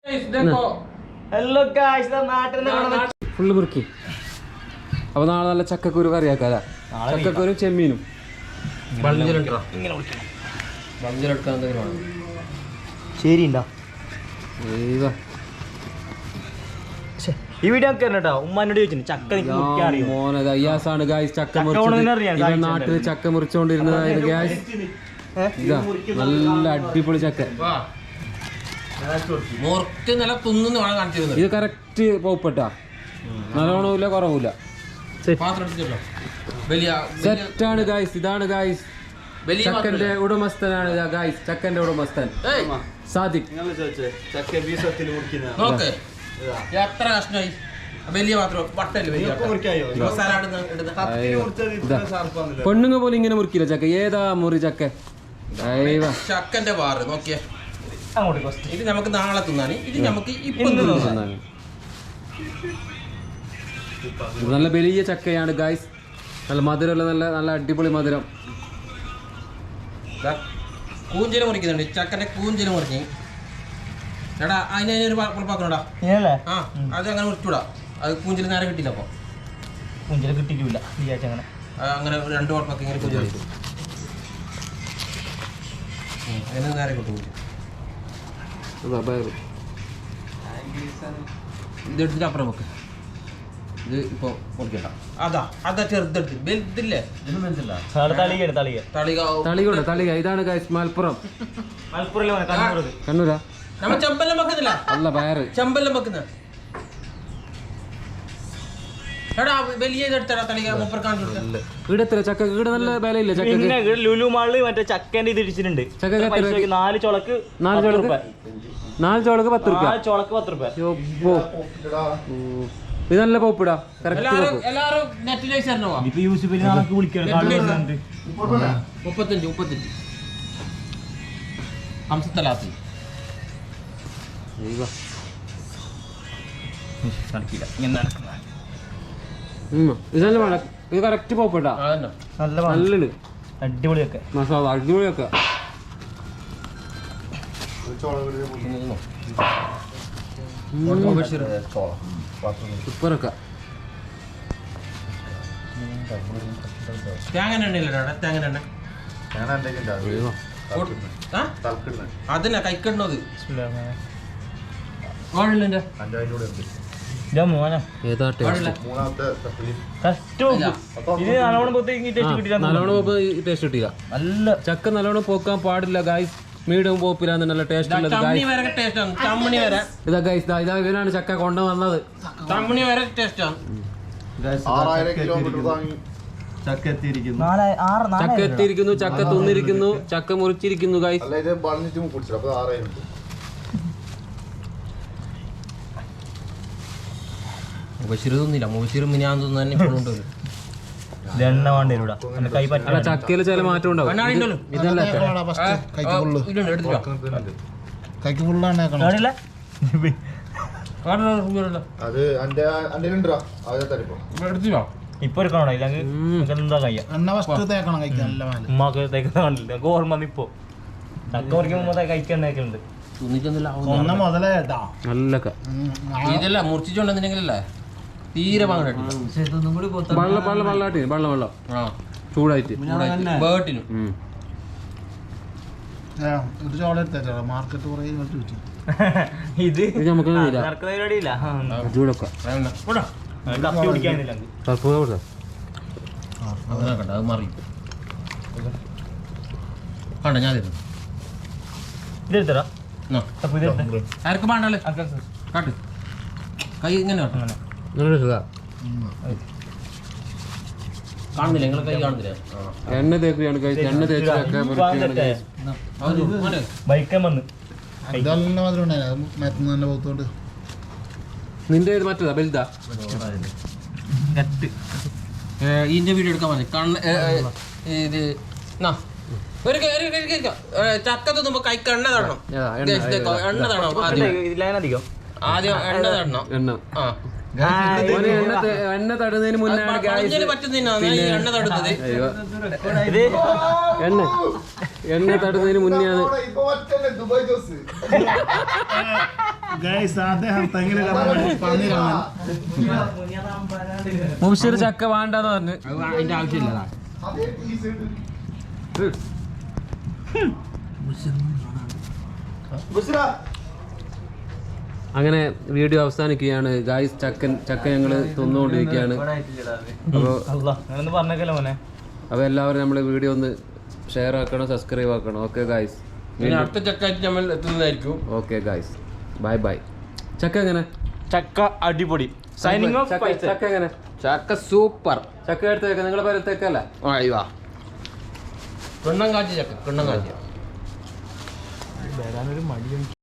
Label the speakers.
Speaker 1: Full മുറുക്കി. അപ്പൊ നാളെ നല്ല ചക്കക്കുരു കറിയാക്കാ. ചക്കക്കുരു ചെമ്മീനും
Speaker 2: ശരിണ്ടോ ഈ വീഡിയോ കേട്ടോ ഉമ്മാനോട് ചോദിച്ചു ചക്ക
Speaker 1: മോനയ്യാസാണ് ഗായ്സ് ചക്ക മുറിച്ചത്. നാട്ടില് ചക്ക മുറിച്ചോണ്ടിരുന്നതായത് ഗായ്സ്. ഇതാ നല്ല അടിപൊളി ചക്ക. ഇത് കറക്റ്റ് പോപ്പട്ടാ, നല്ലോണമില്ല കുറവില്ല, സെറ്റാണ് ഗായ്സ്. ഇതാണ് ഗായ്സ് ചക്കന്റെ ഉടമസ്ഥനാണ് ഗായ്സ്, ചക്കന്റെ ഉടമസ്ഥൻ സാദിഖ്.
Speaker 3: എത്ര കഷ്ണമായി വലിയ മാത്രം
Speaker 1: പെണ്ണുങ്ങ പോലെ ഇങ്ങനെ മുറിക്കില്ല ചക്ക. ഏതാ മുറി ചക്ക?
Speaker 3: ചക്കന്റെ വാറ് നോക്കിയേ. ഇത് നമുക്ക് നാളെ തിന്നാണ്, ഇത് നമുക്ക് ഇപ്പൊ തിന്നാണ്.
Speaker 1: നല്ല വലിയ ചക്കയാണ് ഗായ്സ്, നല്ല മധുരമുള്ള നല്ല നല്ല അടിപൊളി മധുരം.
Speaker 3: കൂഞ്ചില് മുറിക്കുന്നുണ്ട്, ചക്കന്റെ കൂഞ്ചില് മുറിഞ്ഞ്. എടാ അതിനൊരു കുഴപ്പമാക്കണോടാ. ആ അത് അങ്ങനെ മുറിച്ചൂടാ, അത് കൂഞ്ചില് നേരെ കിട്ടിയില്ല. അപ്പൊ
Speaker 2: കൂഞ്ചില് കിട്ടിയിട്ടില്ല
Speaker 3: അങ്ങനെ രണ്ടു കുഴപ്പമൊക്കെ ഇങ്ങനെ കൂഞ്ചിൽ അതിന് നേരെ കിട്ടും. ഇതെടുത്തിട്ട് അപ്പുറം വെക്ക്. ഇത് ഇപ്പൊ മുറിക്കണ്ട. അതാ ചെറുതെടുത്ത് വലുതില്ലേ
Speaker 1: തളിക. ഇതാണ് ഗായ്സ് മലപ്പുറം. കണ്ണൂരാ
Speaker 3: നമ്മ ചെമ്പെല്ലാം വെക്കുന്നില്ല.
Speaker 1: അല്ല വയറ്
Speaker 3: ചെമ്പെല്ലാം വെക്കുന്ന എടാ വലിയ ഇതെടുത്തടാ തളിക മൂപ്പർ കാണിച്ചു.
Speaker 1: ഈടത്ര ചക്ക ഈട നല്ല വിലയില്ല ചക്ക.
Speaker 2: ലുലു മാളില് മറ്റേ ചക്കേന്റെ ഇത് ഇടിച്ചിട്ടുണ്ട്.
Speaker 1: ചക്ക
Speaker 2: 4 ചോളക്ക്
Speaker 1: 4 ചോളക്ക് 10 രൂപ.
Speaker 2: 4 ചോളക്ക് 10 രൂപ.
Speaker 1: ഇത് നല്ല പോപ്പിടാ.
Speaker 3: എല്ലാരും നെറ്റിലേക്ക് തരണോ?
Speaker 2: ഇപ്പൊ യൂസുഫിന് നാളെ വിളിക്കണം.
Speaker 3: 35 ഹംസത്തലാത്തി
Speaker 1: ഇതല്ല വേണം. ഇത് കറക്റ്റ് പോപ്പിട്ടാ. നല്ലുണ്ട്,
Speaker 2: അടിപൊളിയൊക്കെ
Speaker 1: മസാല അടിപൊളിയൊക്കെ. സൂപ്പറൊക്കെ.
Speaker 3: അതിനാ കൈക്കണ്ണത്
Speaker 1: ടേസ്റ്റ് കിട്ടില്ല. നല്ല ചക്ക നല്ലോണം പോക്കാൻ പാടില്ല ഗായ്സ്. മീഡിയം പോപ്പിലാണ് നല്ല ടേസ്റ്റ് ഉള്ളത്. ഇതാ ഗായ്സ്, ഇവനാണ് ചക്ക കൊണ്ടുവന്നത്.
Speaker 4: ചക്ക
Speaker 1: എത്തിയിരിക്കുന്നു, ചക്ക തിന്നിരിക്കുന്നു, ചക്ക മുറിച്ചിരിക്കുന്നു ഗായ്സ്. ചക്കയില് ചില മാറ്റം ഉണ്ടാവും. ഇതല്ല
Speaker 2: ഇപ്പൊ എടുക്കണോ? എന്താ കയ്യ ഉമ്മാക്ക് തേക്കുന്ന കണ്ടില്ല. ഓർമ്മ ഇപ്പൊ ചക്ക മുറിക്കുമ്പോ കഴിക്കണ്ടേക്കുന്നുണ്ട്.
Speaker 3: ഇതല്ല മുറിച്ചിട്ടുണ്ടെന്നുണ്ടെങ്കിലല്ലേ തീരെ
Speaker 1: വെള്ളം ചൂടായിട്ട്
Speaker 3: ബേട്ടിനും
Speaker 2: ഇത്
Speaker 1: നമുക്ക് ചൂടൊക്കെ
Speaker 3: അത് മറി കണ്ട ഞാൻ
Speaker 2: ഇതെടുത്തടാ
Speaker 3: ആർക്കും വേണ്ടല്ലേ കാട്ട് കൈ ഇങ്ങനെ കാണുന്നില്ല, നിങ്ങളെ കൈ കാണുന്നില്ല.
Speaker 1: എണ്ണ തേക്കുകയാണ് എണ്ണ തേച്ച് നിന്റെ മറ്റേതാ വലുതാ?
Speaker 3: ഇതിന്റെ വീഡിയോ എടുക്കാൻ മതി. ഇത് ചക്ക തിന്നുമ്പോ കൈക്ക് എണ്ണ തടണം. എണ്ണ തടണം ആദ്യം എണ്ണ തടണം.
Speaker 1: ഓന് എണ്ണ തടുന്നതിന് മുന്നാണ്
Speaker 3: പഴഞ്ചേരി പറ്റുന്നതിനാണ് ഈ എണ്ണ തടുന്നത്.
Speaker 1: എണ്ണ തടുന്നതിന് മുന്നെയാണ് മുബിഷിർ ചക്ക വേണ്ടെന്ന് പറഞ്ഞു.
Speaker 3: അതിന്റെ ആവശ്യമില്ല.
Speaker 1: അങ്ങനെ വീഡിയോ അവസാനിക്കുകയാണ് ഗായ്സ്. ചക്ക ഞങ്ങള് തിന്നുകൊണ്ടിരിക്കുകയാണ്. അപ്പോൾ എല്ലാവരും നമ്മളെ വീഡിയോ ഒന്ന് ഷെയർ ആക്കണം, സബ്സ്ക്രൈബ് ആക്കണം. ഓക്കെ ഗായ്സ്,
Speaker 3: അടുത്ത ചക്കായിട്ട് നമ്മൾ എത്തുന്നതായിരിക്കും.
Speaker 1: Okay guys, bye bye. ചക്ക എങ്ങനെ?
Speaker 2: ചക്ക അടിപൊളി. Signing off.
Speaker 1: ചക്ക എങ്ങനെ?
Speaker 3: ചക്ക സൂപ്പർ.
Speaker 1: ചക്ക എടുത്തേക്ക, നിങ്ങളെ പേരത്തേക്കല്ല.
Speaker 3: കിണ്ണം കാച്ചി ചക്ക, കിണ്ണം കാച്ചിയ.